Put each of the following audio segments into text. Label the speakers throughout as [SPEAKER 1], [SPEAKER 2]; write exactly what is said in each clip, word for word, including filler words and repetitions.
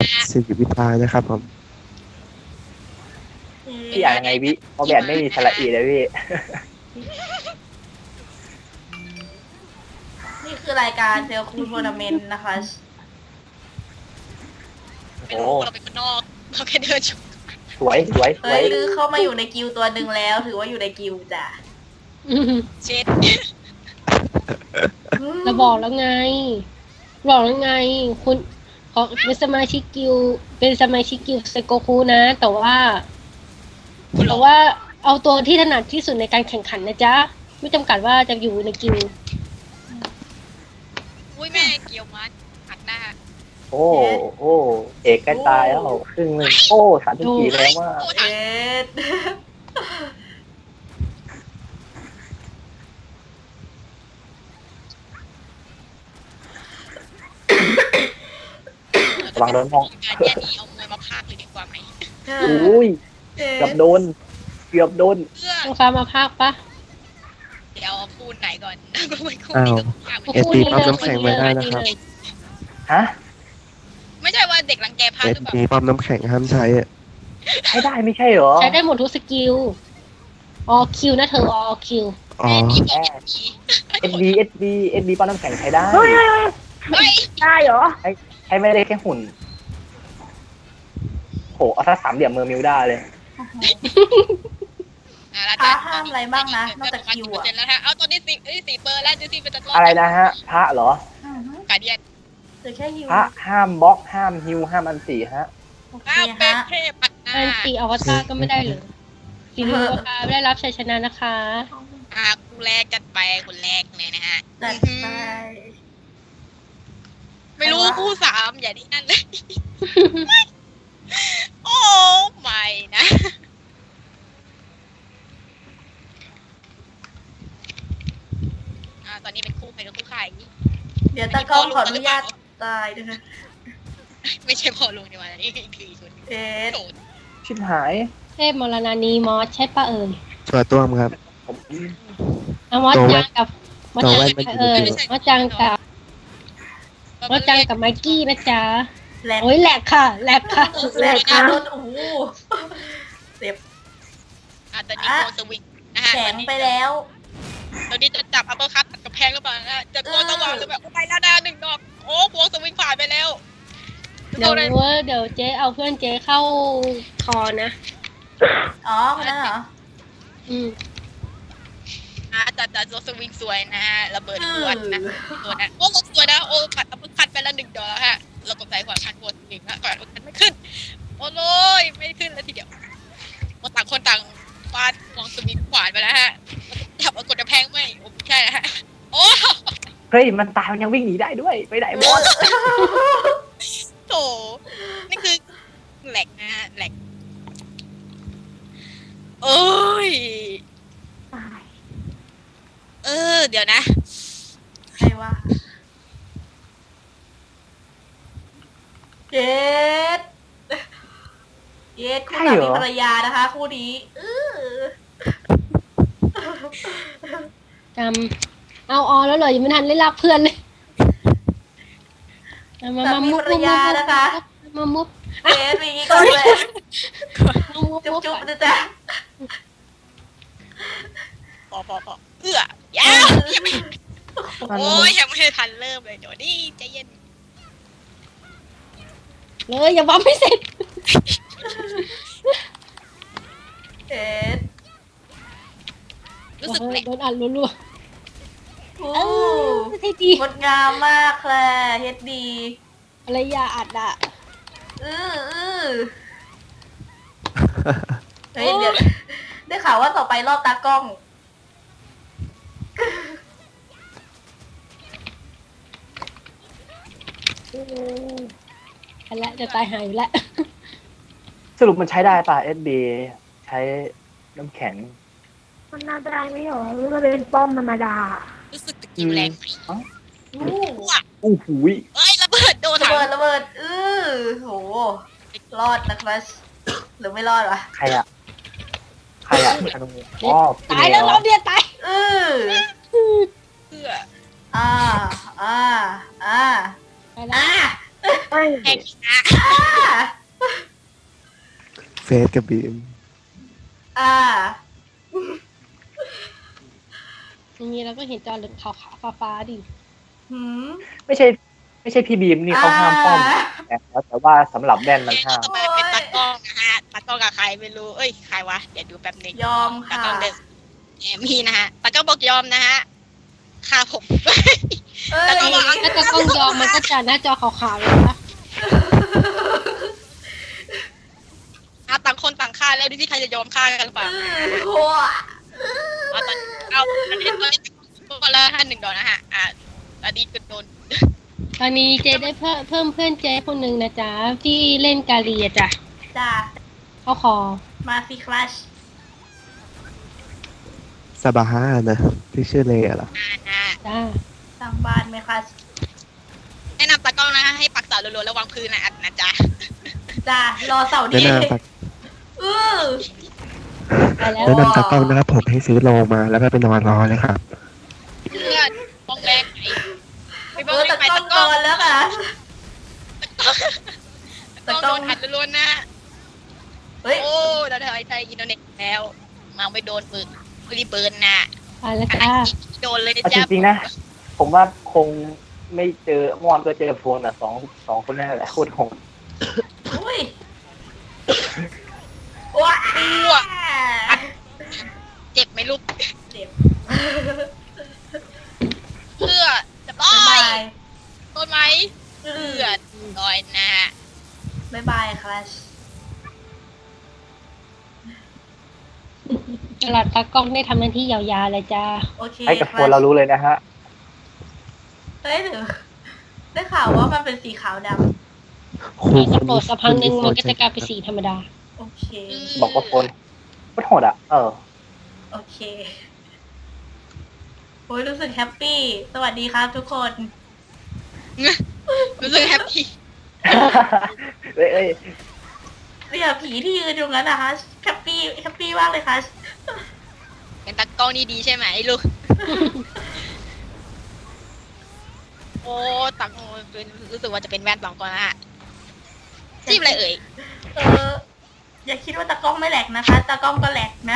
[SPEAKER 1] สิริวิทานะครับผม
[SPEAKER 2] พี่อ่านยังไงพี่เพราะแบบไม่มีสระอีเลยพี่
[SPEAKER 3] นี่คือรายการเซลคูทัวร์นาเมนต์นะคะ
[SPEAKER 4] ไม่รู้เราเป็นคนนอกเราแค่เดินชม
[SPEAKER 2] สวยสวยส
[SPEAKER 3] เฮ้
[SPEAKER 2] วย ย
[SPEAKER 3] ลือเข้ามาอยู่ในกิลด์ตัวหนึ่งแล้ว ถือว่าอยู่ในกิลด์จ้ะ
[SPEAKER 4] เช็ด
[SPEAKER 5] เราบอกแล้วไง บอกแล้วไง คุณเขาเป็นสมาชิกกิลด์เป็นสมาชิกกิลด์เซโกคุนะ แต่ว่า
[SPEAKER 4] คุณหร
[SPEAKER 5] แต่
[SPEAKER 4] อ
[SPEAKER 5] ว่าเอาตัวที่ถนัดที่สุดในการแข่งขันนะจ๊ะ ไม่จำกัดว่าจะอยู่ในกิลด์
[SPEAKER 4] อุ้ยแม่เกี่ยวมัดหักหน้า
[SPEAKER 2] โอ้โอ้เอกใกล้ตายแล้วครึ่งหนึงโอ้สามสิบสี่แล้วว่า
[SPEAKER 4] โอ้
[SPEAKER 3] เอ็
[SPEAKER 4] ถัง
[SPEAKER 3] ด
[SPEAKER 2] ระวังโดนมอง
[SPEAKER 4] การแย่นี้เอามวยมาพากเลยดีกว่าไหม
[SPEAKER 2] อุ้ย
[SPEAKER 3] เอ็
[SPEAKER 2] เกือบ
[SPEAKER 3] ด
[SPEAKER 2] โดนเกือบโดน
[SPEAKER 4] เพื่อ
[SPEAKER 5] ต้องฟ้ามาภาคปะ
[SPEAKER 4] เดี๋ยวคูณไหนก่อนก็ไม่คูณ
[SPEAKER 1] อ้าว
[SPEAKER 4] นี่ก็พากไป
[SPEAKER 1] เอสดีปั๊มน้ำแข็งไว้ได้นะครับ
[SPEAKER 2] ฮะ
[SPEAKER 4] ไม่ใช่ว่าเด็กรังแกพาก
[SPEAKER 1] เอ
[SPEAKER 4] ห
[SPEAKER 1] ส
[SPEAKER 4] รือเปล่า
[SPEAKER 1] ดีปั๊มน้ำแข็งห้ามใช้อะ
[SPEAKER 2] ใช้ได้ไม่ใช่เหรอ
[SPEAKER 5] ใช้ได้หมดทุกสกิลออคิวนะเธอออคิว
[SPEAKER 1] อ๋อ
[SPEAKER 4] แม่นี่บอกเอ็นพี
[SPEAKER 2] เอสดีเอสดีเอสดีป้อนน้ำแข็งใช้ได้
[SPEAKER 4] เฮ้ย
[SPEAKER 3] ได้เหรอ
[SPEAKER 2] ใช้ไม่ได้แค่หุ่นโหเอาถ้าสามเหลี่ยมเมอร์มิวด้าเลย
[SPEAKER 4] อ่ะแล้ว
[SPEAKER 3] พระห้ามอะไรบ้างนะนอกจากคิวอะ
[SPEAKER 4] เปร์เซ็นต์แล้วฮะเอาตอนนี้สี่เอ้ยสี่เปอร์แล้วดูสิเป็นจะรอด
[SPEAKER 2] อะไรนะฮะ พระเหรอ
[SPEAKER 3] อือฮึ
[SPEAKER 4] กาเดียน
[SPEAKER 3] เหลือแค่ฮิว
[SPEAKER 2] พระห้ามบล็อกห้ามฮิวห้ามอันสี่ฮะ
[SPEAKER 3] โอเค
[SPEAKER 4] อ้าวเป็น
[SPEAKER 3] ฮะ
[SPEAKER 4] เทพปัดหน้า
[SPEAKER 5] อันตีอวตารก็ไม่ได้เลยสีเหลืองค่ะได้รับชัยชนะนะคะ
[SPEAKER 4] อ่ากูแรกจัดไปคนแรกเลยนะฮะ
[SPEAKER 3] จัดไป
[SPEAKER 4] ไม่รู้คู่สามอย่าดีนั่นเลย โอ้ไม่นะ อ่าตอนนี้เป็นคู่ใครกับคู่ใคร
[SPEAKER 3] เดี๋ยวตากล้องขออนุญาตตายนะคะ
[SPEAKER 4] ไม่ใช่พอลุงดีกว่านี่คืออีกคนหนึ่ง
[SPEAKER 3] เอ็ด
[SPEAKER 4] โดด
[SPEAKER 2] ชิบหาย
[SPEAKER 5] เทพมรณานีมอสใช่ปะเอ่ย
[SPEAKER 1] ตัวต้วมครับ
[SPEAKER 2] ผม
[SPEAKER 5] อะมอสจางกับมอส
[SPEAKER 1] ตัว
[SPEAKER 5] จาง
[SPEAKER 1] แว่น
[SPEAKER 5] กับ
[SPEAKER 1] มัน
[SPEAKER 5] เอ่ย
[SPEAKER 1] อยู่
[SPEAKER 5] มอสจางกับมอสจางกับไมกี้นะจ๊ะ
[SPEAKER 3] แหลก
[SPEAKER 5] โอ้ยแหลกค่ะแหลกค่ะ
[SPEAKER 3] แหลกค่ะรถโอ้โหเจ็บ
[SPEAKER 4] อ่ะตอนนี้โกสวิงนะฮะ
[SPEAKER 3] แข็งไปแล้ว
[SPEAKER 4] ตอนนี้จะจับอัปเปอร์คัตกับแพงหรือเปล่านะจะโกสว่างหรือแบบไปแล้วนะหนึ่งดอกโอ้โกสวิงผ่านไปแล้ว
[SPEAKER 5] เดี๋ยวเว้ยเดี๋ยวเจ๊เอาเพื่อนเจ๊เข้าคอนะ
[SPEAKER 3] อ๋อคนนั้นเหรอ
[SPEAKER 5] อืม
[SPEAKER 4] อ่ะจัดจัดโกสวิงสวยนะฮะระเบิดขวดนะตัวนะโอ้สวยนะโอ้ปัดอัปเปอร์คัตไปแล้วหนึ่งดอกแล้วฮะเรากดใจขวาคันโกสวิงนะขวาคันไม่ขึ้นโอ้โยไม่ขึ้นแล้วทีเดียวโอ้ต่างคนต่างฟาดมองสวิงขวานไปแล้วฮะจับเอากดกระแพงไม่โอ้ไม่ใช่นะฮะโอ้
[SPEAKER 2] เฮ้ยมันตายมันยังวิ่งหนีได้ด้วยไปไหนบอส
[SPEAKER 4] โถนี่คือแหลกนะฮะแหลกโอ้ยเออ เดี๋ยวนะ
[SPEAKER 3] ใครวะเย็ดเย็ดคู่สามีภรรยานะคะ คู่นี้อื้อ
[SPEAKER 5] จำเอาออแล้วเหรอยังไม่ทันได้รับเพื่อนเลยมามา
[SPEAKER 3] สา
[SPEAKER 5] มา
[SPEAKER 3] มี
[SPEAKER 5] มุ
[SPEAKER 3] ภ
[SPEAKER 5] บ
[SPEAKER 3] รรยานะคะ
[SPEAKER 5] มามุบ
[SPEAKER 3] เย็ดมีอย่างงี้ก่อนเลย
[SPEAKER 5] มามุบ
[SPEAKER 3] จุ๊บ
[SPEAKER 5] มุบ
[SPEAKER 3] จุ๊บนะจ๊ะ
[SPEAKER 4] พอพอพอเอื้อยาวยังไม่โอ้ยยังไม่ทันเริ่มเลยเดี๋ยวนี่ใจเย็น
[SPEAKER 5] เลยอย่าบัมไม่เสร็จ
[SPEAKER 3] เอ็ด
[SPEAKER 4] รู้สึกแหลก
[SPEAKER 5] โดนอัดรัว
[SPEAKER 3] โอ้
[SPEAKER 5] ๆเออให้ดี
[SPEAKER 3] งดงามมากแคลเฮ็ดดี
[SPEAKER 5] อะไรอย่าอัดอ่ะ
[SPEAKER 3] อืออือเฮ้ยเดี๋ยวได้ข่าวว่าต่อไปรอบตากล้อง
[SPEAKER 5] อันละจะตายหายอยู่แล้ว
[SPEAKER 2] สรุปมันใช้ได้ป่ะเอสดีใช้น้ำแข็ง
[SPEAKER 6] มันน่าได้ไม่หรอหรือมันเป็นป้อมธรรมดา
[SPEAKER 4] รู้สึกตะกิ้วแรงไหม
[SPEAKER 3] อู้
[SPEAKER 4] ว้า
[SPEAKER 2] อู้หูย
[SPEAKER 4] เอ้ยระเบิดโดน
[SPEAKER 3] ระ
[SPEAKER 4] ถัง
[SPEAKER 3] เบิดระเบิดอือโหรอดนะครับหรือไม่รอดวะ
[SPEAKER 2] ใครอะใครอะธนูอ๋อพี่
[SPEAKER 5] ตาย
[SPEAKER 2] เน
[SPEAKER 5] แล้ว
[SPEAKER 2] ย
[SPEAKER 5] รอบเดียวตาย
[SPEAKER 3] อือ
[SPEAKER 4] เพื่อ
[SPEAKER 3] อ่าอ่าอ่าอ่า
[SPEAKER 5] ไปแล้ว
[SPEAKER 3] อ่า
[SPEAKER 6] เฮ้ย
[SPEAKER 4] แข่งนะ
[SPEAKER 1] เฟสกับบีม
[SPEAKER 3] อ่า
[SPEAKER 5] อย่างนี้เราก็เห็นจอเหลืองขาวๆฟ้าๆดิ
[SPEAKER 3] หืม
[SPEAKER 2] ไม่ใช่ ไม่ใช่พี่บีมนี่เขาห้ามป้อม
[SPEAKER 3] อ่า
[SPEAKER 2] แต่แต่ว่าสำหรับแว่นมัน
[SPEAKER 4] เกม
[SPEAKER 2] ห้าม
[SPEAKER 4] ต่อไปเป็นตากล้องนะฮะตากล้องกับใครไม่รู้เอ้ยใครวะเดี๋ยวดูแป๊บนึง
[SPEAKER 3] ยอม
[SPEAKER 4] ตา
[SPEAKER 3] ค่ะ
[SPEAKER 4] กล้องเดสแอมมี่นะฮะตากล้องบอกยอมนะฮะค่าผม
[SPEAKER 3] เอ้ย
[SPEAKER 4] แต่ก็บอก
[SPEAKER 5] ถ้าจะกล้องยอมมันก็จะหน้าจอขาวๆเลยนะ
[SPEAKER 4] เอาต่างคนต่างฆ่าแล้วดูที่ใครจะยอมฆ่ากันหรือเปล่า
[SPEAKER 3] โอ้ย
[SPEAKER 4] เอาตอนเอาตอนนี้ตอนนี้ตัวละห้าหนึ่งดอกนะฮะอ่ะตอนนี้ก็โดน
[SPEAKER 5] ตอนนี้เจได้เพิ่มเพิ่มเพื่อนเจคนหนึ่งนะจ๊ะที่เล่นกาเลียจ้ะ
[SPEAKER 3] จ้า
[SPEAKER 5] เขาขอ
[SPEAKER 3] มาสิคลัช
[SPEAKER 1] ซาบาฮานะ ที่ชื่อเลเหรอ
[SPEAKER 4] อ่านะ
[SPEAKER 5] จ้า
[SPEAKER 3] สร้างบ้านไหมคลัช
[SPEAKER 4] แนะนำตากล้องนะฮะให้ปักเสารัวๆแล้ววางพื้นนะนะจ๊ะ
[SPEAKER 3] จ้ารอเสาร์
[SPEAKER 1] แนะ
[SPEAKER 3] นี้
[SPEAKER 1] นำตัก
[SPEAKER 3] อือ
[SPEAKER 5] ไปแล้ว
[SPEAKER 1] แนะนำตากล้องนะครับผมให้ซื้อโลมาแล้วก็ไปนอนรอเลยครับ
[SPEAKER 4] เพื่อนป้องแรงไอ้ไป
[SPEAKER 3] เอ
[SPEAKER 4] บ้อง
[SPEAKER 3] อ
[SPEAKER 4] แร
[SPEAKER 3] แต่
[SPEAKER 4] งไป
[SPEAKER 3] กล้อ
[SPEAKER 4] ตาง กล้อง
[SPEAKER 3] นอนแล้วค่ะ
[SPEAKER 4] ตากล้องโดนหัดรัวๆนะ
[SPEAKER 3] เฮ้ย
[SPEAKER 4] โอ้เราได้ไทยอินโดนีเซียแล้ว มาไม่โดนปืนรีเบิร์นนะ
[SPEAKER 5] ไปแล้ว
[SPEAKER 4] ข
[SPEAKER 5] จ้า
[SPEAKER 4] นาดโดนเลยนะ
[SPEAKER 2] เอาจ
[SPEAKER 4] จ๊ะ
[SPEAKER 2] ริงๆนะ ผมว่าคงไม่เจอมอนก็เจอโฟนอ่ะสองสองคนนั่นแหละโคตรโหด
[SPEAKER 3] อุ้ยว้า
[SPEAKER 4] อ้วกเจ็บไหมลูก
[SPEAKER 3] เจ็บ
[SPEAKER 4] เพื่อจะต้
[SPEAKER 3] บ๊าย
[SPEAKER 4] อย
[SPEAKER 3] บาย
[SPEAKER 4] โดนไหมเพื่อลอยนะฮะ
[SPEAKER 3] บ๊ายบายคลัช
[SPEAKER 5] ตลาดตากล้องได้ทำหน้าที่ยาวๆเลยจ้า
[SPEAKER 3] โอเค
[SPEAKER 2] ให้กับโฟนเรารู้เลยนะฮะ
[SPEAKER 3] เฮ้ยหรือได้ข่าวว่ามันเป็นสีขาวด
[SPEAKER 1] ครู
[SPEAKER 5] จะ
[SPEAKER 1] คน
[SPEAKER 5] โปร
[SPEAKER 1] นี้
[SPEAKER 5] ดสักพักหนึ่งมันก็จะกลายเป็นสีธรรมดา
[SPEAKER 3] ำโอเค
[SPEAKER 2] บอกว่าโฟนโคตรโหดอ่ะ เออ
[SPEAKER 3] โอเคโอ้ยรู้สึกแฮปปี้ สวัสดีครับทุกคน
[SPEAKER 4] รู้สึกแฮปปี้
[SPEAKER 2] เอ้ยเอ้ย
[SPEAKER 3] เนี่ยผีที่ยืนอยู่นั้นนะคะแฮปปี้แฮปปี้มากเลยค่ะ
[SPEAKER 4] เป็นตากล้องนี่ดีใช่ไหมลูก โอ้ตังเป็นรู้สึกว่าจะเป็นแว่นสองคนนะฮะจิ้มอะไรเอ่ย
[SPEAKER 3] เออ อย่าคิดว่าตากล้องไม่แหลกนะคะ ตากล้องก็แหลกนะ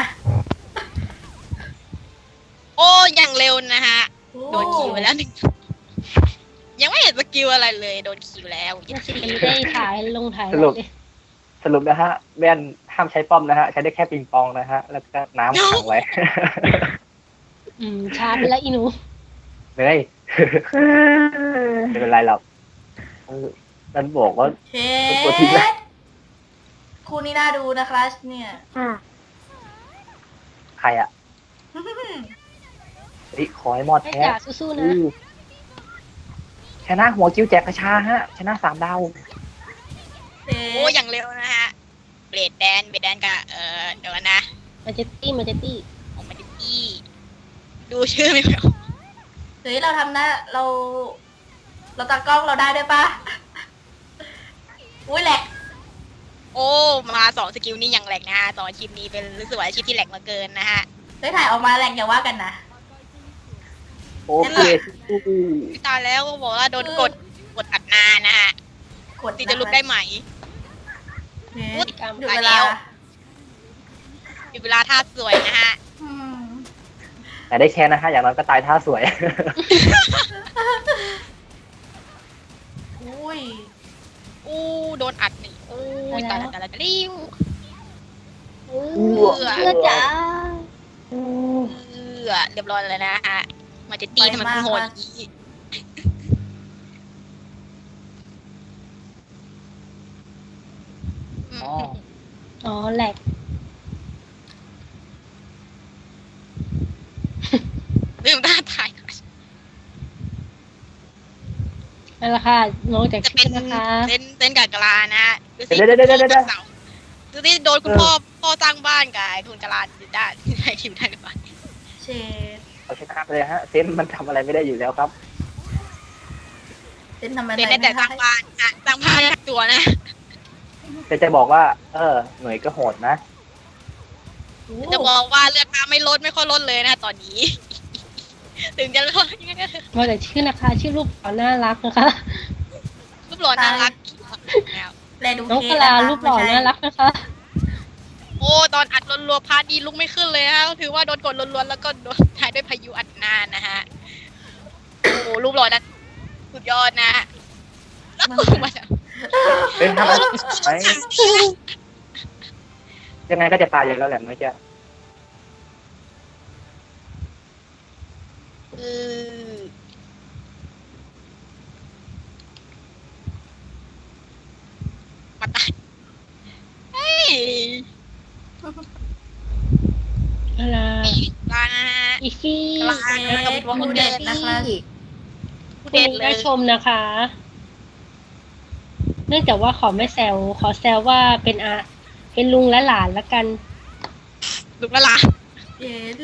[SPEAKER 4] โอ้ยังเร็วนะฮะ
[SPEAKER 3] โอ้
[SPEAKER 4] โดนคิวไปแล้วหนึ่งยังไม่เห็นสกิลอะไรเลย โดนคิวแล้ว
[SPEAKER 5] ไม่ใช่ไม่ได้ถ่ายลงถ่าย
[SPEAKER 2] สรุป
[SPEAKER 5] เลย
[SPEAKER 2] สรุปนะฮะ แว่นห้ามใช้ป้อมนะฮะ ใช้ได้แค่ปิงปองนะฮะ แล้วก็น้ำขังไว้
[SPEAKER 5] อืมช้าไปแล้วอีหนู
[SPEAKER 2] เหนื่อย ไม่เป็นไรหรอกเออมันบอกว่า
[SPEAKER 3] เช
[SPEAKER 2] ตัวทิ้งแล้ว
[SPEAKER 3] คู่นี้น่าดูนะคะเนี่ย
[SPEAKER 6] อ่ะ
[SPEAKER 2] ใครอ่ะเฮ้ยขอให้มอด
[SPEAKER 5] ให้
[SPEAKER 2] แท้
[SPEAKER 5] จ่าสู้ๆนะ
[SPEAKER 2] อือชนะหัวกิ้วแจกกระชาฮะ ชนะสามดาว
[SPEAKER 3] เช
[SPEAKER 4] โอ้ยังเร็วนะฮะเบรดแดนเบรดแดนกับเออเดี๋ยวก่อนนะ
[SPEAKER 5] มาเจตตี้มาเจตตี้
[SPEAKER 4] ของมันจะอี้ดูชื่อไม่ออก
[SPEAKER 3] เฮ้ยเราทำหน้าเรา เราตากล้องเราได้ด้วยปะอุ้ยแหลก
[SPEAKER 4] โอ้มาสองสกิลนี่ยังแหลกนะฮะสองอาชีพนี้เป็นรู้สึกว่าอาชีพที่แหลกมาเกินนะฮะ
[SPEAKER 3] เฮ้ยถ่ายออกมาแหลกอย่าว่ากันนะ
[SPEAKER 2] โอเคสู้
[SPEAKER 4] ตายแล้วก็บอกว่าโดนกดกดอัดนานนะฮะ
[SPEAKER 3] กด
[SPEAKER 4] ตีจะลุกได้ไหม
[SPEAKER 3] เฮ้ย
[SPEAKER 4] พูด
[SPEAKER 3] หยุด
[SPEAKER 4] ตาย
[SPEAKER 3] เว
[SPEAKER 4] แล้
[SPEAKER 3] ลา
[SPEAKER 4] ว มีเวลาท่าสวยนะฮะ
[SPEAKER 3] อืม
[SPEAKER 2] แต่ได้แชร์นะฮะ อย่างน้อยก็ตายท่าสวย
[SPEAKER 3] อุ้ย
[SPEAKER 4] อู้โดนอัดหนึ่งอู้ตายแล้วตายแล้วตายแล้ว
[SPEAKER 5] เอ
[SPEAKER 2] อ
[SPEAKER 5] อเพื่อจ๋า
[SPEAKER 4] เออเรียบร้อยเลยนะฮะ มาจะตีทำไมมันโหดอย่างนี้
[SPEAKER 2] อ๋อ
[SPEAKER 5] อ๋อแหลก
[SPEAKER 4] ลืมท่าถ่าย
[SPEAKER 5] นั่นแหละค่ะน้องจาก
[SPEAKER 4] จะ
[SPEAKER 5] ชื่
[SPEAKER 4] เป็น
[SPEAKER 5] อนะคะ
[SPEAKER 4] เต้นเต้นกับกะลานะฮะดูสิ
[SPEAKER 2] เดี๋ยวเดี๋ยวเดี๋ยวเดี๋ยวเดี๋ยว
[SPEAKER 4] ดูสิโดนคุณพ่อพ่อสร้างบ้านกับไอ้คุณกะลาอยู่ด้านที่ไหนคิวได้หรือเปล่า
[SPEAKER 3] เชด
[SPEAKER 2] เอาชนะไปเลยฮะ เซนมันทำอะไรไม่ได้อยู่แล้วครับ
[SPEAKER 3] เป็นทำไม
[SPEAKER 4] เป็นได้แต่สร้างบ้านอ่ะสร้างบ้านตัวนะ
[SPEAKER 2] แต่จะบอกว่า เออ หน่วยก็โหดนะ
[SPEAKER 4] จะบอกว่าเลือดข้าไม่ลดไม่ค่อยลดเลยนะตอนนี้ ถึงจะลดยังไงก็เถอะ
[SPEAKER 5] มาจากชื่อนะคะ ชื่อรูปเขาน่ารักนะคะ
[SPEAKER 4] รรูปหล่อน่ารักแล้ว
[SPEAKER 3] แลดู
[SPEAKER 5] น้อง
[SPEAKER 3] เค
[SPEAKER 5] พ
[SPEAKER 3] ส
[SPEAKER 5] ลา
[SPEAKER 3] นะคะ
[SPEAKER 5] รูปหล่อ
[SPEAKER 3] ไม่ใช่
[SPEAKER 5] น่ารักนะคะ
[SPEAKER 4] โอ้ตอนอัดรัวๆพาดีลุกไม่ขึ้นเลยฮะถือว่าโดนกดรัวๆแล้วก็โดนท้ายด้วยพายุอัดหน้านะฮะโอ้รูปหล่อนั้นสุดยอดนะแล้วกูมา
[SPEAKER 2] เฮ้ยทำอะไรไหมยังไงก็จะตายอยู่แล้วแหละไม่ใช่
[SPEAKER 4] เออมาตายเฮ้ย
[SPEAKER 5] อะไร
[SPEAKER 4] ปลา
[SPEAKER 5] อีฟี่
[SPEAKER 3] เกสคู่เด็ดนะคะ
[SPEAKER 5] คุณได้ชมนะคะ เนื่องจากว่าขอไม่แซวขอแซวว่าเป็นอาเป็นลุงและหลานละกัน
[SPEAKER 4] ลุกละล่ะ
[SPEAKER 3] เกส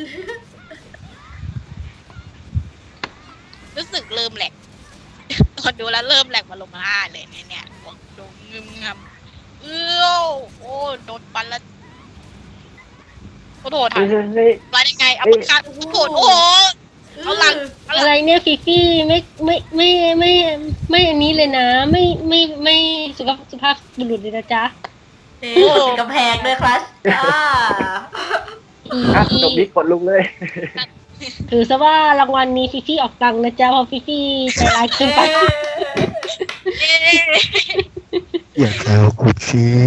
[SPEAKER 4] รู้สึกเริ่มแหลก ตอนดูแล้วเริ่มแหลกมาลงมาเลยเนี่ยเนี่ยบอกดูงึมงำเอ้อโอ้โดนปันแล้วโอ้โห
[SPEAKER 2] เฮ้
[SPEAKER 4] ทำ
[SPEAKER 2] ยเฮ้ยเฮ้ย
[SPEAKER 4] มาได้ไงเอาปากกาโอ้โหโอ้โหเอาหลังเอาห
[SPEAKER 5] อะ
[SPEAKER 4] ลัง
[SPEAKER 5] ไรเนี่ยฟิฟี่ไม่ไม่ไม่ไม่ไม่อันนี้เลยนะ ไม่ไม่ไม่สุภาพสุภาพบุรุษเลยนะจ๊ะ
[SPEAKER 3] เกสติดกำแพงด้วยครับอ่า
[SPEAKER 5] อี
[SPEAKER 2] อ่ะจบนี้กดลุกเลย
[SPEAKER 5] ถือซะว่ารางวัลนี้ฟิฟี่ออกตังค์นะจ๊ะเพราะฟิฟี่ใจร้ายเกินไป
[SPEAKER 4] เอ๊ะ
[SPEAKER 1] อย่าแซวกูชี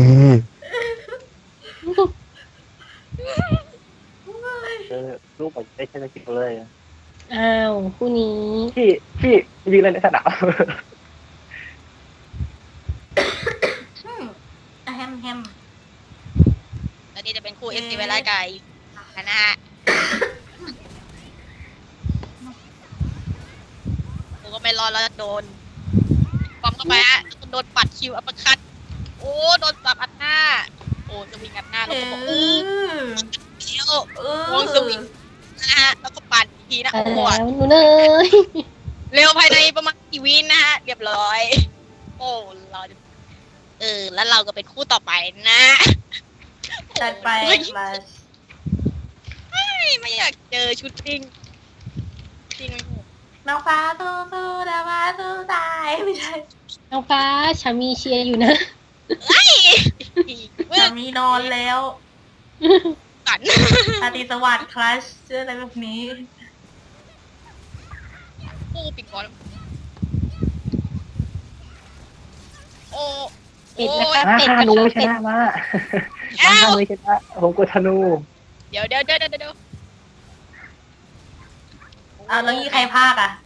[SPEAKER 2] เออลูกผมได้ใช้สกิลเลย
[SPEAKER 5] อ้าวคู่นี้
[SPEAKER 2] พี่พี่ยืนเล่นในสนาม
[SPEAKER 3] อืมอ่ะแฮมแฮม
[SPEAKER 4] ตอนนี้จะเป็นคู่เอสซีเวลาไก่นะฮะผมก็ไม่รอดแล้วโดนปั๊มเข้าไปฮะโดนปัดคิวอัปเปอร์คัตโอ้โดนสับอัดหน้าโอ้จะวิ่งอัดหน้า
[SPEAKER 3] เอ
[SPEAKER 4] แล้วก็บอก
[SPEAKER 3] อ
[SPEAKER 4] อู้เดี๋ยว
[SPEAKER 3] เอ
[SPEAKER 4] วงสวิง นะฮะแล้วก็ปั่นอีกทีนะ
[SPEAKER 5] ไป
[SPEAKER 4] ปว
[SPEAKER 5] แล้
[SPEAKER 4] ด
[SPEAKER 5] วหนูเนย
[SPEAKER 4] เร็วภายในประมาณกี่วินะฮะ เรียบร้อย โอ้เราจะเออ แล้วเราก็เป็นคู่ต่อไปนะ
[SPEAKER 3] จัดไป
[SPEAKER 4] โอ้ย
[SPEAKER 3] มา
[SPEAKER 4] ไม่ไม่อยากเจอชุดจริงจริงไหม
[SPEAKER 3] น้องฟ้าสู้สู้นะฟ้าสู้ตายไม่ใช่
[SPEAKER 5] น้องฟ้าชามีเชียร์อยู่นะ
[SPEAKER 4] เฮ้ยเว้
[SPEAKER 3] สาย มีนอนแล้ว
[SPEAKER 4] สัน
[SPEAKER 3] อาติสวัสดิ์คลัชเชื่ออะไรแบบนี้
[SPEAKER 4] คู่ปิดก่อนโอ้
[SPEAKER 5] ปิด
[SPEAKER 4] โอ้
[SPEAKER 5] นะคะ
[SPEAKER 4] ย
[SPEAKER 2] อ่ะ
[SPEAKER 5] เป็ด
[SPEAKER 2] ฮานู
[SPEAKER 5] นะคะ
[SPEAKER 2] ช
[SPEAKER 5] เป็ด
[SPEAKER 2] นะมา
[SPEAKER 4] เอ้า
[SPEAKER 2] ฮานูชนะผมกดธนู
[SPEAKER 4] เดี๋ยวเดี๋ยวเดี๋ยวเดี๋ยวเดี๋ยว
[SPEAKER 3] เอาแล้วยี่ใครพากอ่ะ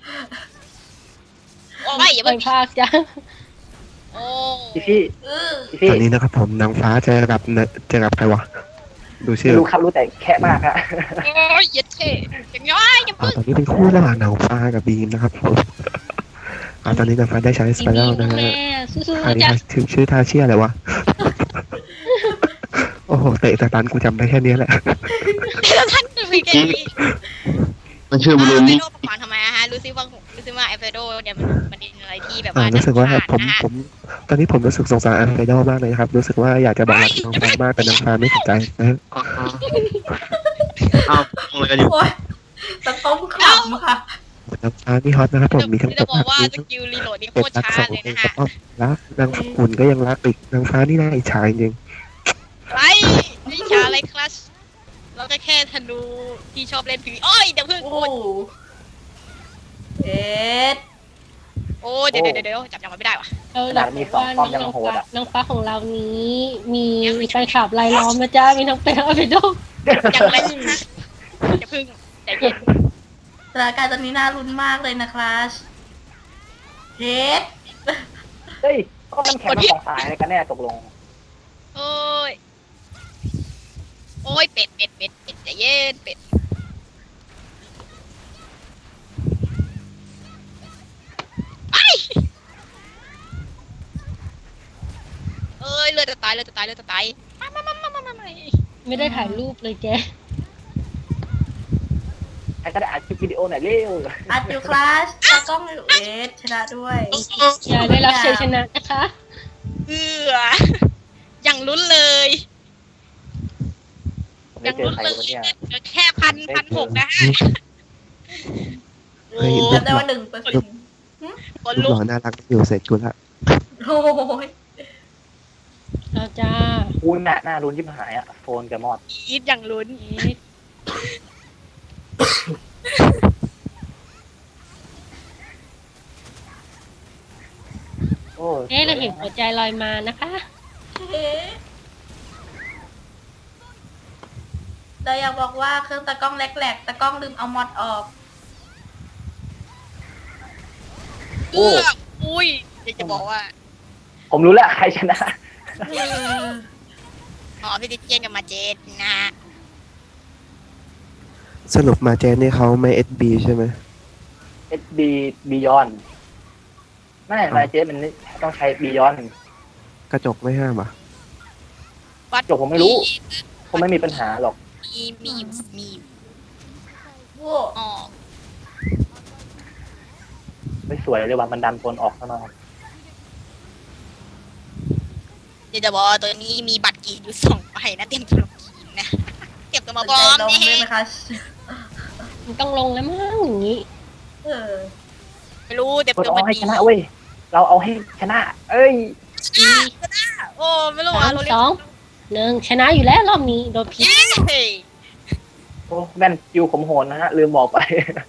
[SPEAKER 4] โอ้ยอย่า
[SPEAKER 5] ไป
[SPEAKER 4] เพิ่ง
[SPEAKER 5] ภาคจ้ะ
[SPEAKER 4] โอ้
[SPEAKER 2] พี่พี่
[SPEAKER 3] เออ
[SPEAKER 2] พี่พี่
[SPEAKER 1] ตอนนี้นะครับผมนางฟ้าเจอกับเนเจอกับใครวะดูชื่อ
[SPEAKER 2] รู้ครับรู้แต่แค่มากฮะ
[SPEAKER 4] โอ้ยอย่าเท่อย่างน้อยอย่า
[SPEAKER 1] อ่า
[SPEAKER 4] เพิ่ง
[SPEAKER 1] ตอนนี้เป็นคู่ระหว่างนางฟ้ากับบีมนะครับผมอ่าตอนนี้นางฟ้าได้ใช้ส
[SPEAKER 5] ดี
[SPEAKER 1] ไปรัล
[SPEAKER 5] ๆ
[SPEAKER 1] นะ
[SPEAKER 5] นะ
[SPEAKER 1] ฮะ
[SPEAKER 5] แม่สู้
[SPEAKER 1] อัน
[SPEAKER 5] ๆ
[SPEAKER 1] นี้
[SPEAKER 5] จ้ะ
[SPEAKER 1] ชื่อชื่อท่าเชี่ยอะไรวะ โอ้โหเตะสตันกูจำได้แค่นี้แหละ
[SPEAKER 4] แล้วท่านจะมีแค่นี้
[SPEAKER 7] มันชื่อบรู
[SPEAKER 4] ไอ
[SPEAKER 7] นี่
[SPEAKER 4] โดประมาณทำไมอะฮะรู้สึกว่ารู้สึกว่าไอโดเนี่ยมันมันเป็นอะไรที่แบบ
[SPEAKER 1] อ่า
[SPEAKER 4] ว่า
[SPEAKER 1] รู้สึกว่า
[SPEAKER 4] น่
[SPEAKER 1] ผม
[SPEAKER 4] ผ่นนะฮะ
[SPEAKER 1] ผมตอนนี้ผมรู้สึกสงสารอันไอดอลมากเลยครับ รู้สึกว่าอยากจะบอกรักน้องฟ้ามากแต่น้องฟ้าไม่สนใจนะฮะ
[SPEAKER 7] อ้าวมองอะไรกันอยู่
[SPEAKER 3] โอ้ยสะต้มขำค่ะ
[SPEAKER 1] น้องฟ้านี่ฮอตนะครับผมมีทั้ง
[SPEAKER 4] จะ
[SPEAKER 1] ต
[SPEAKER 4] บอก
[SPEAKER 1] ก
[SPEAKER 4] ว่า
[SPEAKER 1] มี
[SPEAKER 4] ส
[SPEAKER 1] ทั้ง
[SPEAKER 4] กิลรีโหลดนี่โค
[SPEAKER 1] เป็ด
[SPEAKER 4] ตร
[SPEAKER 1] รัก
[SPEAKER 4] ช้า
[SPEAKER 1] สอง
[SPEAKER 4] เลย
[SPEAKER 1] เอง
[SPEAKER 4] นะ
[SPEAKER 1] ก็
[SPEAKER 4] ฮะ
[SPEAKER 1] อ้อมรักนางฝุ่นก็ยังรักอีกนางฟ้านี่น่าอิจฉาจริง
[SPEAKER 4] ไรไม่ช้าอะไรคลัชเราก็แค่ธนูที่ชอบเล่นผีโอ้ยเดี๋ยวเพิ่ง
[SPEAKER 3] โอ้
[SPEAKER 4] โอ้ย
[SPEAKER 3] เอ็ด
[SPEAKER 4] โอ้ยเดี๋ยวเดี๋ยวเดี๋ยวจับยังไงไม่ได้วะ
[SPEAKER 5] เราหลักว่าน้องฟ้าน้องฟ้าของเรานี้มีแฟนคลับรายล้อมนะจ๊ะมีทั้งเป็นทั้งเป็นดง
[SPEAKER 4] ยังไรนะอย่าเพิ่งใจเย็น
[SPEAKER 3] สถานการณ์ตอนนี้น่ารุนมากเลยนะครับเอ็ด
[SPEAKER 2] เฮ้ยก็น้ำแข็งมันของสายอะไรกันแน่ตกลง
[SPEAKER 4] โอ้ยโอ้ยเป็ดเป็ดเป็ดเป็ดใจเย็นเป็ดไอ้เอ้ยเลือดจะตายเลือดจะตายเลือดจะตายมามามามามามามา
[SPEAKER 5] ไม่ได้ถ่ายรูปเลยแก
[SPEAKER 2] ใครก็ได้อัดคลิปวิดีโอหน่อยเร็ว
[SPEAKER 3] อัดอยู่คลาสตากล้องอยู่เอ็ดชนะด้วย
[SPEAKER 5] อย่าได้รับชัยชนะนะคะ
[SPEAKER 4] เอืออย่างลุ้นเลย
[SPEAKER 2] ผม
[SPEAKER 4] อ
[SPEAKER 2] ไม่
[SPEAKER 4] ย่าง
[SPEAKER 2] เจอ
[SPEAKER 4] ลุ้น
[SPEAKER 2] ใคร
[SPEAKER 4] เล
[SPEAKER 2] วะเนี่ย
[SPEAKER 4] ยแค่พันพันหกนะฮะ
[SPEAKER 1] เฮ้ย
[SPEAKER 3] จำได้ว่าหนึ่งเปอร์เซ็นต์
[SPEAKER 4] คน
[SPEAKER 1] ๆลูก
[SPEAKER 4] ลุ
[SPEAKER 1] ห
[SPEAKER 4] ก
[SPEAKER 1] ล่อน่ารักอยู่เสร็จกูละ
[SPEAKER 3] โอ้ย
[SPEAKER 5] เอาจ้า
[SPEAKER 2] คุณน่ะหน้ารุนยิบหายอ่ะโฟนกับมอด
[SPEAKER 4] อีทอย่างลุ้น
[SPEAKER 5] เอ๊ะ
[SPEAKER 2] โอ้
[SPEAKER 5] เอ๊ะเราเห็นหัวใจลอยมานะคะ
[SPEAKER 3] เอ๊ะเราอยากบอกว่าเครื่องตะกล้องแหลกๆตะกล้องลืมเอามอดออก
[SPEAKER 4] เอื้ออุ้ยอยากจะบอกว่า
[SPEAKER 2] ผมรู้แล้วใครชนะ
[SPEAKER 3] เออ
[SPEAKER 4] อ๋อพี่ติเจนกับมาเจนนะฮะ
[SPEAKER 1] สรุปมาเจนนี่เขาไม่เอสบีใช่ไหม
[SPEAKER 2] เอส บี Beyond ไม่มาเจสมันต้องใช้ Beyond
[SPEAKER 1] กระจกไม่ห้ามอ่ะ
[SPEAKER 4] วัด
[SPEAKER 2] จบผมไม่รู้ ผมไม่มีปัญหาหรอก
[SPEAKER 4] มีมีอยู่มีอยู่
[SPEAKER 3] โว้
[SPEAKER 4] อ๋อ
[SPEAKER 2] ไม่สวยเลยว่ามันดันคนออกซะหน่อย
[SPEAKER 4] เดี๋ยวจะบอกว่าตัวนี้มีบัตรกรีดอยู่สองใบนะเตรียมตัวลงกรีดนะเก็บตัวมาบอม
[SPEAKER 3] ลง
[SPEAKER 4] เนี่
[SPEAKER 3] ด้วยไหม
[SPEAKER 4] ย
[SPEAKER 3] คะ
[SPEAKER 5] มันต้องลงแล้วมั้งอย่างนี้
[SPEAKER 3] เออ
[SPEAKER 4] ไม่รู้เดี๋ยว
[SPEAKER 2] กด
[SPEAKER 4] ตัว
[SPEAKER 2] เอา
[SPEAKER 4] มัน
[SPEAKER 2] ให้
[SPEAKER 4] ดี
[SPEAKER 2] ชนะเว้ย เราเอาให้ชนะ เอ้ย
[SPEAKER 5] สี่
[SPEAKER 4] โอ้ไม่รู้
[SPEAKER 5] สา
[SPEAKER 4] อ่ะ
[SPEAKER 5] ม
[SPEAKER 4] เรา
[SPEAKER 5] ส
[SPEAKER 4] เรียก
[SPEAKER 5] องหนึ่งชนะอยู่แล้วรอบนี้โดนพิษ
[SPEAKER 4] เย้
[SPEAKER 2] โอ้แม่นคิวขมโหนนะฮะ ลืมบอกไป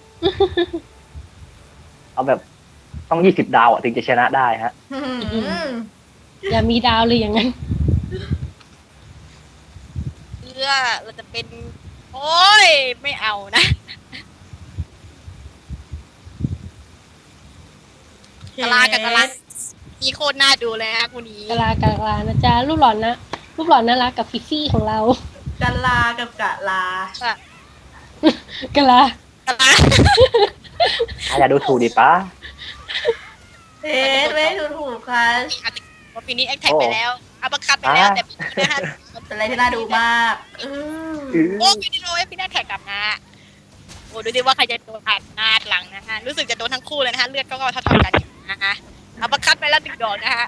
[SPEAKER 2] เอาแบบต้องยี่สิบดาวอ่ะ ถึงจะชนะได้ฮะ
[SPEAKER 3] อืม
[SPEAKER 5] อย่ามีดาวเลยอย่างนั้น
[SPEAKER 4] เพื่อเราจะเป็น โอ้ยไม่เอานะ กะลากับกะลามีโคตรน่าดูเลยฮะคู่นี้
[SPEAKER 5] กะลากะลานะจ๊ะรูปหล่อนนะรูปหล่อนน่ารักกับฟิฟฟี่ของเรา
[SPEAKER 3] กะลากับกะลาก
[SPEAKER 5] ะลาก
[SPEAKER 4] ะลา
[SPEAKER 2] อย่าดูถูกดิป้า
[SPEAKER 3] เอ๊ะไม่ถูกถูกค่ะ
[SPEAKER 4] อาจจะว่าปีนี้แอคแท็กไปแล้วอัปคัตไปแล้วแต่ปีนี้นะฮะ
[SPEAKER 3] เป็นอะไรที่น่าดูมากเออ
[SPEAKER 4] โอ้ปีนี้โรยปีหน้าแท็กกลับนะโอ้ดูดิว่าใครจะโดนผ่านหน้าหลังนะฮะรู้สึกจะโดนทั้งคู่เลยนะฮะเลือดก็เท่าๆกันอยู่นะฮะอัปคัตไปแล้วดึงดอกนะฮะ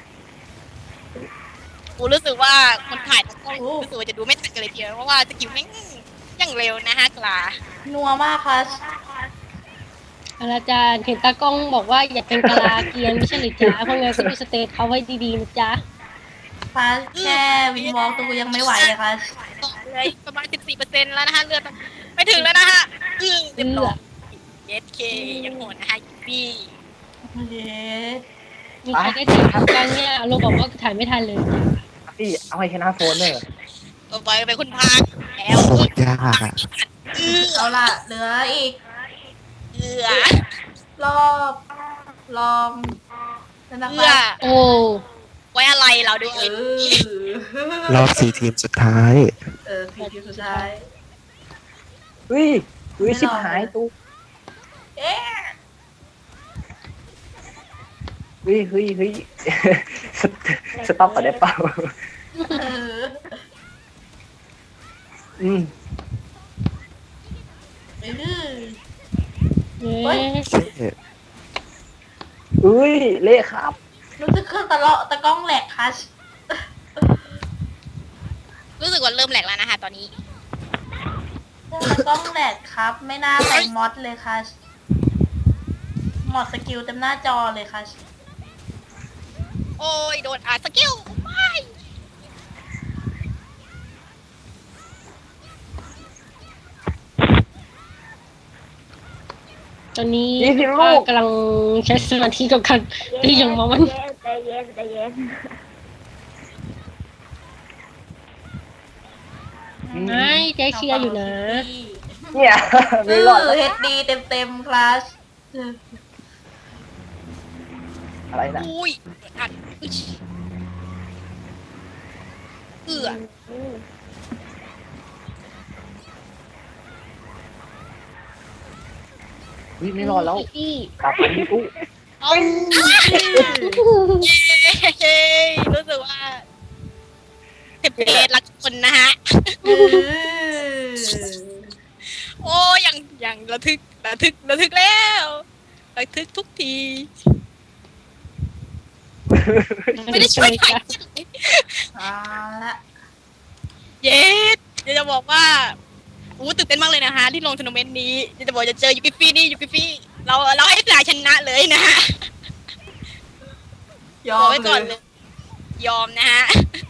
[SPEAKER 4] โอ้รู้สึกว่าคนถ่ายทั้งกล้องรู้สึกว่าจะดูไม่ทันกันเลยทีเดียวเพราะว่าสกิลแม่งยังเร็วนะฮะกลา
[SPEAKER 3] นัวมากค่ะ
[SPEAKER 5] อาจารย์เห็นตากล้องบอกว่าอย่าเป็นกะลาเกรียนไม่ใช่หรือจ๊ะเพราะงั้นก็ดูสเตทเขาไว้ดีๆนะจ๊ะ
[SPEAKER 3] ค่ะแค่วินวอล์กตัวยังไม่ไหวเลยค่ะ
[SPEAKER 4] ต่อเลยประมาณ สิบสี่เปอร์เซ็นต์ แล้วนะฮะเลือดไม่ถึงแล้วนะฮะอือเรียบร้อยเอสเคยังโหดนะฮะยูบี้
[SPEAKER 3] เย้
[SPEAKER 5] มีใครได้ถ่ายทำกันเนี่ยโรบอกว่าถ่ายไม่ทันเลยจ้ะ
[SPEAKER 2] พี่เอาให้ชนะโฟนเลย
[SPEAKER 4] ต่อไปเป็นคุณพากแล้ว
[SPEAKER 1] โคตรยากอ่ะ
[SPEAKER 4] อือ
[SPEAKER 3] เอาล่ะ เหลืออีก
[SPEAKER 4] เอือ
[SPEAKER 3] รอบลองนะ
[SPEAKER 4] เอื
[SPEAKER 3] คะ
[SPEAKER 4] อ
[SPEAKER 5] โอ้
[SPEAKER 4] ไว้อะไรเราด้วย
[SPEAKER 3] เออ
[SPEAKER 1] รอบสี่ทีมสุดท้าย
[SPEAKER 3] เออสี่ทีมสุดท้าย
[SPEAKER 2] เฮ้ยเฮ้ยชิบหายตู้
[SPEAKER 3] เอ๊ะ
[SPEAKER 2] เฮ้ยเฮ้ยเฮ้ย สตสต็อปก่อนได้เปล่า
[SPEAKER 3] เออ
[SPEAKER 2] อืม
[SPEAKER 3] เออ
[SPEAKER 5] เย้
[SPEAKER 3] เฮ้ย
[SPEAKER 2] เฮ้ย เละครับ
[SPEAKER 3] รู้สึกเครื่องตะเลาะตะกล้องแหลกค่ะ
[SPEAKER 4] รู้สึกว่าเริ่มแหลกแล้วนะคะตอนนี้
[SPEAKER 3] เครื่องตะกล้องแหลกครับ ไม่น่าใส่มอดเลยค่ะมอดสกิลเต็มหน้าจอเลยค่ะ
[SPEAKER 4] โอ้ยโดนอาสกิลไม่
[SPEAKER 5] ตอนนี้
[SPEAKER 2] ยี่สิบลูก
[SPEAKER 5] กำลังใช้สมาธิกับการตีอย่างมองมัน
[SPEAKER 6] ใจเย็นใจเย็น
[SPEAKER 5] ไม่ใจเชียร์อยู่นะ
[SPEAKER 2] เนี่ย
[SPEAKER 3] เอ
[SPEAKER 2] ไม่รอด
[SPEAKER 3] อ
[SPEAKER 2] แล้ว
[SPEAKER 3] เฮดดีเต็มเต็มๆคลาส
[SPEAKER 2] อะไรนะ
[SPEAKER 4] อุ้ยโดนอัดอุ๊ยเอือ
[SPEAKER 2] เฮ้ยไม่รอดแล้ว
[SPEAKER 5] พี่
[SPEAKER 2] กลับมาที่ตู้
[SPEAKER 4] เอาเย้รู้สึกว่าเทปเพจรักคนนะฮะ
[SPEAKER 3] เออ
[SPEAKER 4] โอ้ยังยังระทึกระทึกระทึกแล้วระทึกทุกที ไม่ได้ช่วยใคร
[SPEAKER 3] เอาละ
[SPEAKER 4] เย้เดี๋ยวจะบอกว่าอู้ตื่นเต้นมากเลยนะคะที่ลงทัวร์นาเมนต์นี้เดี๋ยวจะบอกจะเจอยูกิฟี่นี่ยูกิฟี่เราเราให้สายชนะเลยนะฮะ
[SPEAKER 3] ย
[SPEAKER 4] บ
[SPEAKER 3] อ
[SPEAKER 4] อก
[SPEAKER 3] ม
[SPEAKER 4] ไว้
[SPEAKER 3] เล
[SPEAKER 4] ก่อน
[SPEAKER 3] ย
[SPEAKER 4] เลย ยอมนะฮะ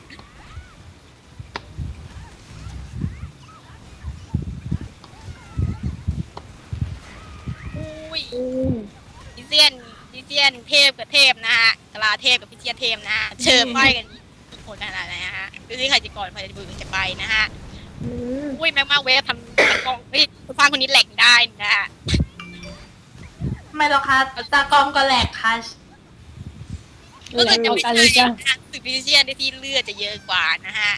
[SPEAKER 4] อุ้ยดิเซียนดิเซียนเทพกับเทพนะฮะกลาเทพกับพิเชียนเทพนะฮะเชิญไปกันทุกคนขนาดไหนนะฮะดูที่ใครจะก่อนใครจะมือจะไปนะฮะ
[SPEAKER 6] อืม
[SPEAKER 4] อุ้ยแม็กมาเวฟทำตะกล้องเฮ้ยผู้ฟังคนนี้แหลกได้นะฮะ
[SPEAKER 3] ไม่หรอกค่ะตากล้องก็แหลกค่ะ
[SPEAKER 4] ก็เกิดจะ
[SPEAKER 5] เอา
[SPEAKER 4] ไม่
[SPEAKER 5] กัน
[SPEAKER 4] ใช่
[SPEAKER 5] เลยจ้ะ
[SPEAKER 4] นะฮะสึกพิเชียนที่เลือดจะเยอะกว่านะฮะ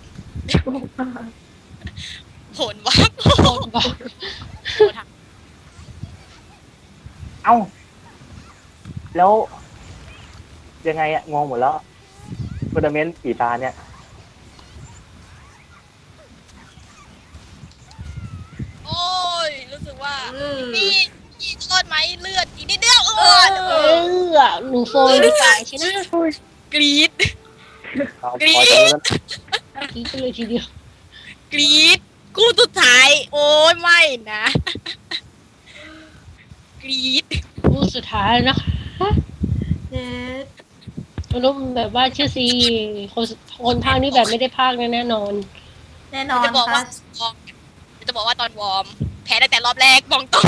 [SPEAKER 4] ผลว่า
[SPEAKER 5] โดนบอก
[SPEAKER 2] เอ้า แล้ว ยังไงอะงงหมดแล้วทัวร์นาเมนต์กี่ตาเนี่ย
[SPEAKER 4] โอ้ยรู้สึกว่า
[SPEAKER 3] อืม
[SPEAKER 4] พี่พี่รอดไหมเลือดอีกนิดเดียวเอ
[SPEAKER 3] เอ
[SPEAKER 4] อ
[SPEAKER 3] อ
[SPEAKER 5] เออหนูโฟนดีกว่าใช่ไหม
[SPEAKER 4] กรี๊ด
[SPEAKER 2] เอา
[SPEAKER 4] กรี๊ด
[SPEAKER 2] พอจะรู้แล้ว
[SPEAKER 5] คิดไปเลยทีเดียว
[SPEAKER 4] กรี๊ดกู้สุดท้าย โอ้ยไม่นะ กรี๊ด
[SPEAKER 5] รูปสุดท้ายแล้วนะคะ
[SPEAKER 3] เจ็ด
[SPEAKER 5] รูปแบบว่าชื่อซีคนคนภาคนี้แบบไม่ได้ภาคแน่นอน
[SPEAKER 3] แน่นอน
[SPEAKER 4] จะบอก
[SPEAKER 3] ค่ะ
[SPEAKER 4] ว่าวอร์มจะบอกว่าตอนวอร์มแพ้ตั้งแต่รอบแรกมองตรง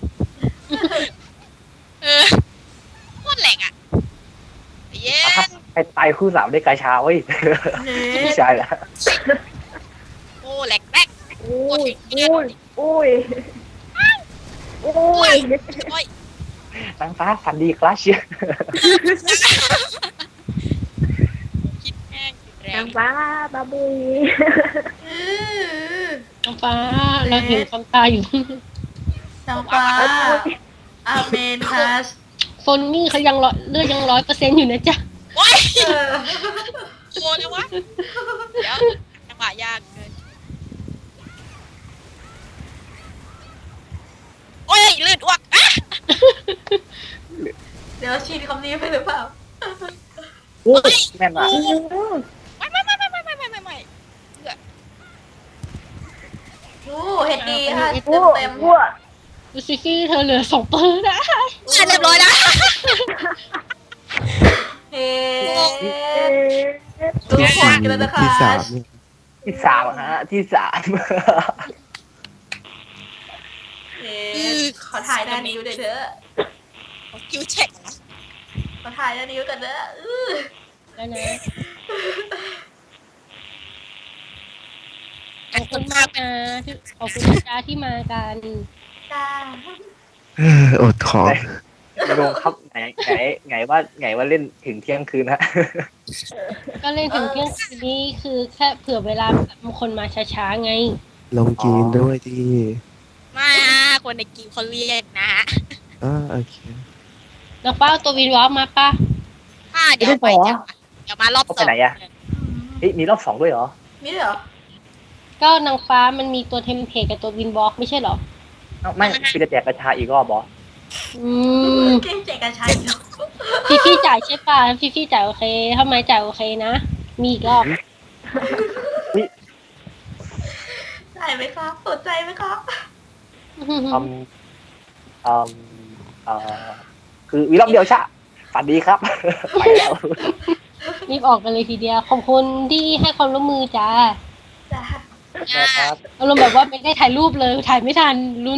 [SPEAKER 4] เออโคตรแหลกอ่ะเย้
[SPEAKER 2] ครับไปตายคู่สามได้กาชาเว้ย
[SPEAKER 3] เจ็
[SPEAKER 2] ไม่
[SPEAKER 3] ด
[SPEAKER 2] ใช่ละ
[SPEAKER 4] โอ้แหลกแรก
[SPEAKER 6] โอ้ยโอ้ยโอ้ยโอ้
[SPEAKER 4] โอ้
[SPEAKER 6] ย
[SPEAKER 4] ยโอ้ย
[SPEAKER 2] นางฟ้าฝันดีคลาสเชีย
[SPEAKER 4] คิดแห้งแร
[SPEAKER 6] นาง งฟ้าบาบุย
[SPEAKER 3] อือ
[SPEAKER 5] น้องฟ้าเราเห็นความตายอยู่
[SPEAKER 3] นางฟ้าอาเมนค่ะ
[SPEAKER 5] โฟนนี่เขายังร้อยเลือดยังร้อยเปอร์เซ็นต์อยู่นะจ๊ะ
[SPEAKER 4] โอ้ย
[SPEAKER 3] เออ
[SPEAKER 4] โอ้เลยวะเดี๋ยวจังหวะยากเกินโอ้ยลื่นอ้วกอ่ะ
[SPEAKER 3] เดี๋ยวชีนคำนี้ไปหรือเปล่า
[SPEAKER 2] โอ้ยแม่นว่ะ
[SPEAKER 4] ไม่ไม่ไม่ไม่ไม่ไม่ไม่ไม่ไม่
[SPEAKER 3] โอ้เห็ดดีค่ะ
[SPEAKER 6] โอ้
[SPEAKER 3] เต็ม
[SPEAKER 6] โอ้
[SPEAKER 5] ดูซิฟี่เธอเหลือสองเปอร์นะ
[SPEAKER 3] ๆ
[SPEAKER 4] เรียบร้อยแล้ว
[SPEAKER 3] เฮ็ด
[SPEAKER 6] เอ๊ะ
[SPEAKER 3] ดูผลกันแล้วนะคะ
[SPEAKER 1] ที่สามเนี่ย
[SPEAKER 2] ที่สามฮะ ที่สาม
[SPEAKER 3] เฮ็ดขอถ่ายหน้านิ้วหน่อยเถอะ
[SPEAKER 4] คิวเช็คนะ
[SPEAKER 3] ขอถ่ายหน้านิ้วกันเถอะอื้อ
[SPEAKER 5] แล้วนะ
[SPEAKER 4] ขอบคุณมาก
[SPEAKER 5] นะที่ขอบคุณนะจ๊ะที่มากัน
[SPEAKER 3] จ้า
[SPEAKER 1] เอออดขอ
[SPEAKER 2] ลงครับไหนไหนไหนว่าไหนว่าเล่นถึงเที่ยงคืนฮะ
[SPEAKER 5] ก็เล่นถึงเที่ยงคืนนี้คือแค่เผื่อเวลาบางคนมาช้าๆไง
[SPEAKER 1] ลงกินด้วยที่
[SPEAKER 4] มาคนในกิวเขาเรียกนะฮะ
[SPEAKER 1] อ่าโอเค
[SPEAKER 5] น้องป้าเอาตัววินวอล์กมาป้า
[SPEAKER 4] อ่าเดี๋ยวไปเดี๋ยวเดี๋ยวมารอบสอง
[SPEAKER 2] เฮ้ยมีรอบสองด้วยเหรอ
[SPEAKER 3] มีด้วยเหรอ
[SPEAKER 5] ก็นางฟ้ามันมีตัวเทมเพลตกับตัววินวอล์กไม่ใช่เหรอ
[SPEAKER 2] เอ้าไม่คือจะแจกกระชาอีกรอบบอ
[SPEAKER 5] อืม
[SPEAKER 3] เก่งเจกันชัยเนาะ
[SPEAKER 5] พี่พี่จ่ายใช่ป่ะพี่พี่จ่ายโอเคถ้าไม่จ่ายโอเคนะ มีอีกรอบ
[SPEAKER 3] ได้ไหมครับสนใจไหมครับ
[SPEAKER 2] อืมอืมเอ่อคือวีรอบเดียวชะฝันดีครับ ไปแล้ว
[SPEAKER 5] รีบออกกันเลยทีเดียว ขอบคุณที่ให้ความร่วมมือจ้า
[SPEAKER 3] จ้า
[SPEAKER 2] นะครับ
[SPEAKER 5] อารมณ์แบบว่าไม่ได้ถ่ายรูปเลยถ่ายไม่ทันรุน